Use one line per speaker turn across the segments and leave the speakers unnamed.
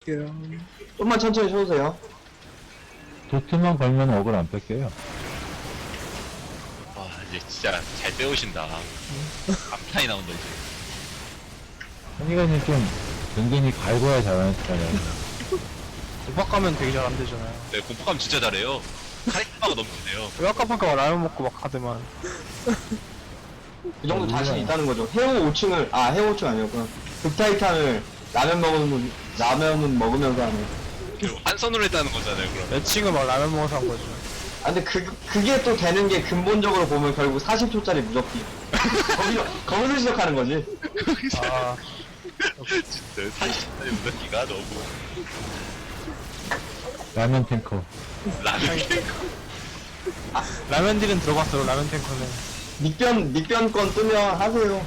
좀만 천천히 쳐주세요.
도트만 걸면 억을 안 뺄게요.
와, 이제 진짜 잘 배우신다. 감탄이 나온다, 이제.
현이가는 좀 은근히 갈고야 잘하는 스타일이야.
도박 가면 되게 잘 안 되잖아요.
네, 공포감 진짜 잘해요. 카리스마가 넘치네요.
왜 아까 방금 라면 먹고 막 하더만.
그 정도 자신 있다는 거죠. 해오 5층을, 해오 5층 아니었구나. 극타이탄을 라면은 먹으면서 하네.
한 손으로 했다는 거잖아요, 그럼.
매칭을 막 라면 먹어서 한 거죠.
근데 그게 또 되는 게 근본적으로 보면 결국 40초짜리 무적기. 거기서 시작하는 거지.
아,
진짜 40분의 무더기가 너무
라면 탱커.
라면
라면 딜은 들어봤어요, 라면 탱커는.
닉변 건 뜨면 하세요.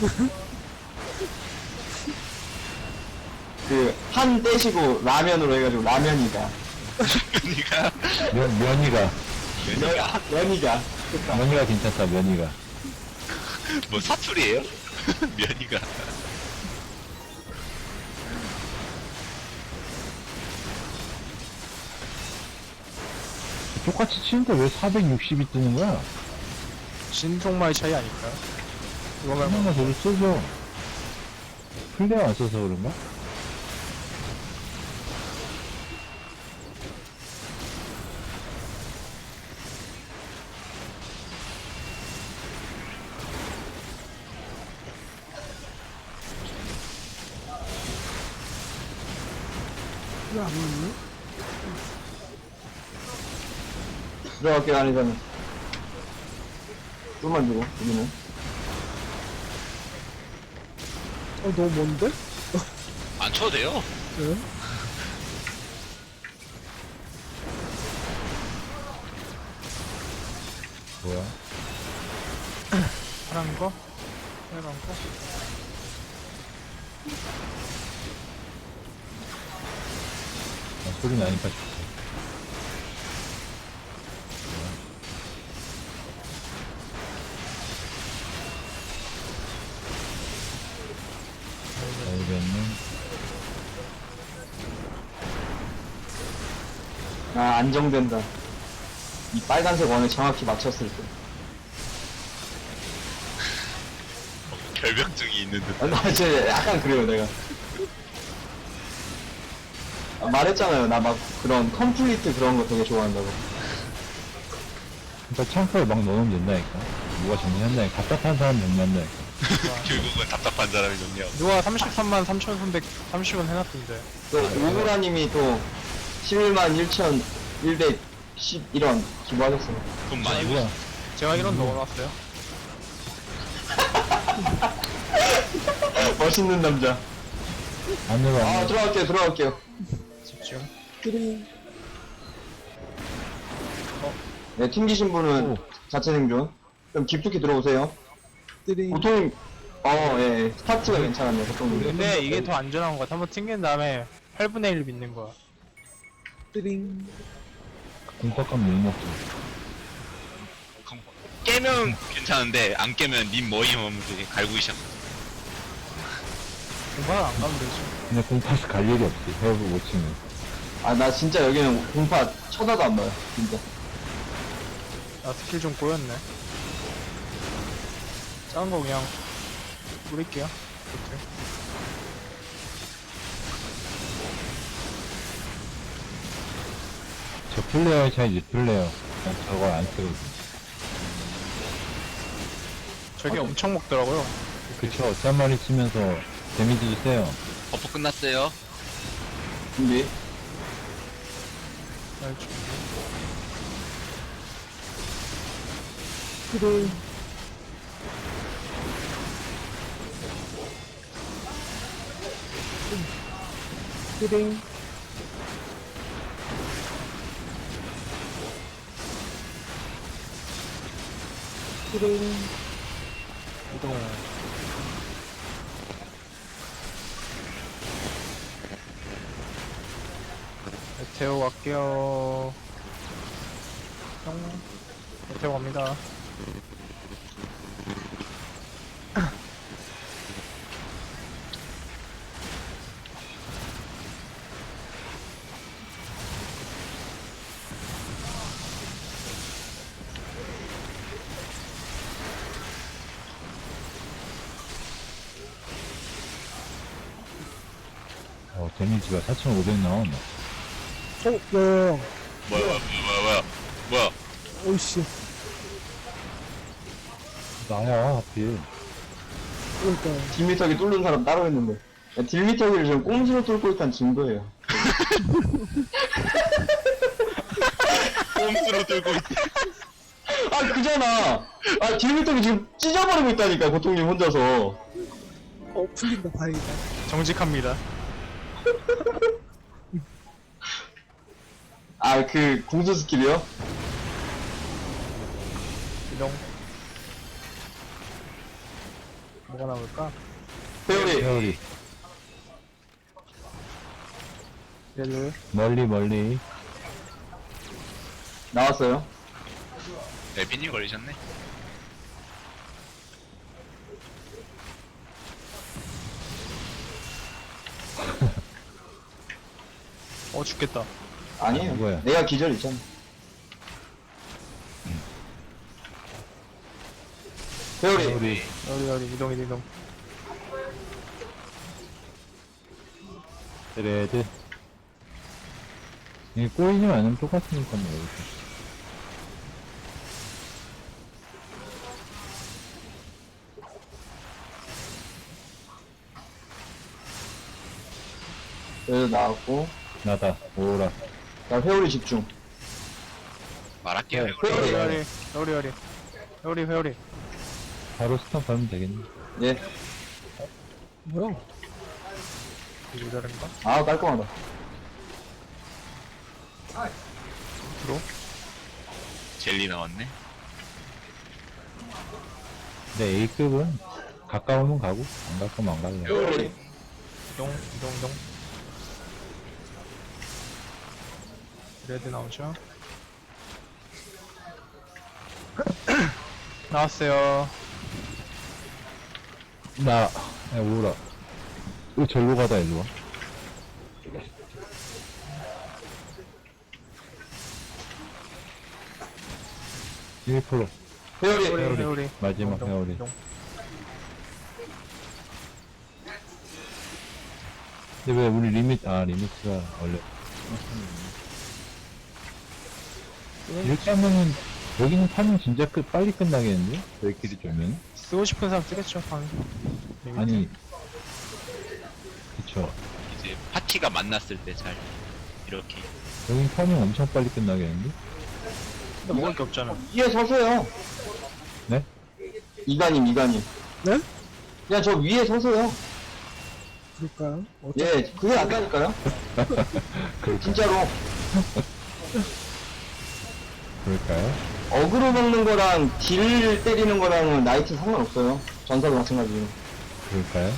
한 떼시고 라면으로 해가지고 라면이다.
면이가
면이가.
면이가.
면이가 괜찮다, 면이가.
뭐 사투리예요? 면이가
똑같이 치는데 왜 460이 뜨는 거야?
신속마의 차이 아닐까요? 이거 말고.
한번만 저를 써줘. 플레어 안 써서 그런가?
들어갈게요, 안에서는. 좀만 주고, 여기는.
너무 먼데?
안 쳐도 돼요.
네?
뭐야?
파란 거? 빨간 거?
소리 나니까 좋다. 알겠네.
안정된다. 이 빨간색 원에 정확히 맞췄을 때.
결벽증이 있는 듯.
나 진짜 약간 그래요, 내가. 말했잖아요. 나 막 그런 컴플리트 그런 거 되게 좋아한다고.
그러니까 창고에 막 넣으면 된다니까. 누가 정리한다니까. 답답한 사람 정리한다니까.
결국은 답답한 사람이 좋네요.
누가 33만 3,330원 해놨던데.
또, 오구라님이 또, 11만 1,111원 기부하셨어요.
돈 많이
뭐야?
벌.
제가 이런 넣어놨어요.
멋있는 남자.
안으로 안
들어갈게요.
집중.
네, 튕기신 분은
오.
자체 생존. 그럼 깊숙이 들어오세요. 보통, 예, 스타트가 괜찮았네요, 보통.
근데 이게 더 안전한 것 같아. 한번 튕긴 다음에 8분의 1 믿는 거야.
공포감 못 먹죠.
깨면 괜찮은데 안 깨면 님 머리 하면서 갈구기 시작.
공부는 안 가면 되지.
근데 공파스 갈 일이 없지. 헤어브 못 치면.
나 진짜 여기는 공파 쳐다도 안 봐요, 진짜.
아, 스킬 좀 꼬였네. 작은 거 그냥 뿌릴게요. 이렇게.
저 플레어의 차이지, 플레어. 난 저걸 안 쓰거든.
저게 엄청 먹더라고요.
그쵸. 짠 마리 치면서 데미지도 세요.
버프 끝났어요.
준비.
날 준비. 이동. 메테오 갈게요. 뿅. 메테오 갑니다.
데미지가 4,500 나오네.
야야야.
뭐야.
오이씨.
나야, 하필.
그러니까.
딜미터기 뚫는 사람 따로 있는데. 딜미터기를 지금 꼼수로 뚫고 있다는 증거예요.
꼼수로 들고 있대.
아, 그잖아. 아, 딜미터기 지금 찢어버리고 있다니까, 고통님 혼자서.
풀린다, 다행이다.
정직합니다.
아, 그, 공수 스킬이요?
이동. 뭐가 나올까?
회오리.
회오리.
얘를
멀리.
나왔어요.
ፒ님 걸리셨네.
죽겠다.
아니에요.
누구야?
내가 기절 있잖아. 회오리.
회오리.
여리 이동.
드레드. 이게 꼬이지 않으면 똑같으니까 뭐, 이렇게.
그래서 나왔고.
나다. 오라.
자, 회오리 집중.
말할게요.
회오리.
바로 스턴 가면 되겠네.
예.
뭐야?
이거 다른가?
아, 깔끔하다.
젤리 나왔네.
근데 A급은 가까우면 가고, 안 가까우면 안 갈래.
회오리.
이동. 레드 나오죠? 나왔어요.
야, 오라. 왜 절로 가다 일로 와? 일 프로
회오리.
회오리.
마지막 회오리.
이동.
근데 왜 우리 리미트가 원래 이렇게 하면은 여기는 타면 진짜 빨리 끝나겠는데? 저희끼리 쫄면?
쓰고 싶은 사람 쓰겠죠, 방.
아니 그쵸.
이제 파티가 만났을 때 잘 이렇게.
여긴 타면 엄청 빨리 끝나겠는데?
근데 먹을 게 없잖아.
위에 서세요.
네?
이가님.
네?
그냥 저 위에 서세요.
그럴까요?
예, 그게 낫다니까요? 진짜로.
그럴까요?
어그로 먹는 거랑 딜 때리는 거랑은 나이트 상관없어요. 전사도 마찬가지예요.
그럴까요?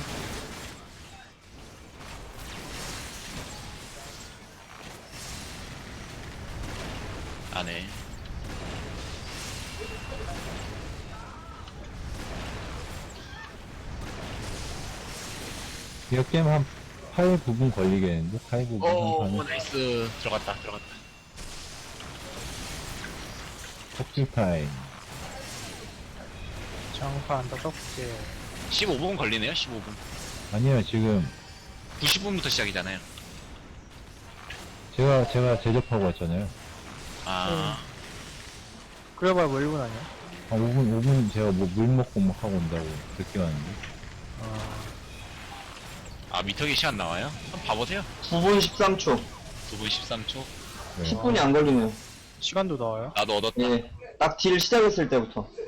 안해.
이 게임 한 8 부분 걸리겠는데? 8 부분
오,
한 판에
나이스. 들어갔다.
폭주 타임.
장판 5개.
15분 걸리네요. 15분.
아니요, 지금
90분부터 시작이잖아요.
제가 제접하고 왔잖아요.
아,
그래봐야 뭐 1분 아니야?
한 5분 제가 뭐 물 먹고 막 하고 온다고 늦게 왔는데.
미터기 시간 나와요? 한번 봐보세요.
9분 13초.
9분 13초.
네.
10분이 안 걸리네요.
시간도 나와요?
나도 얻었다.
예. 딱 딜 시작했을 때부터.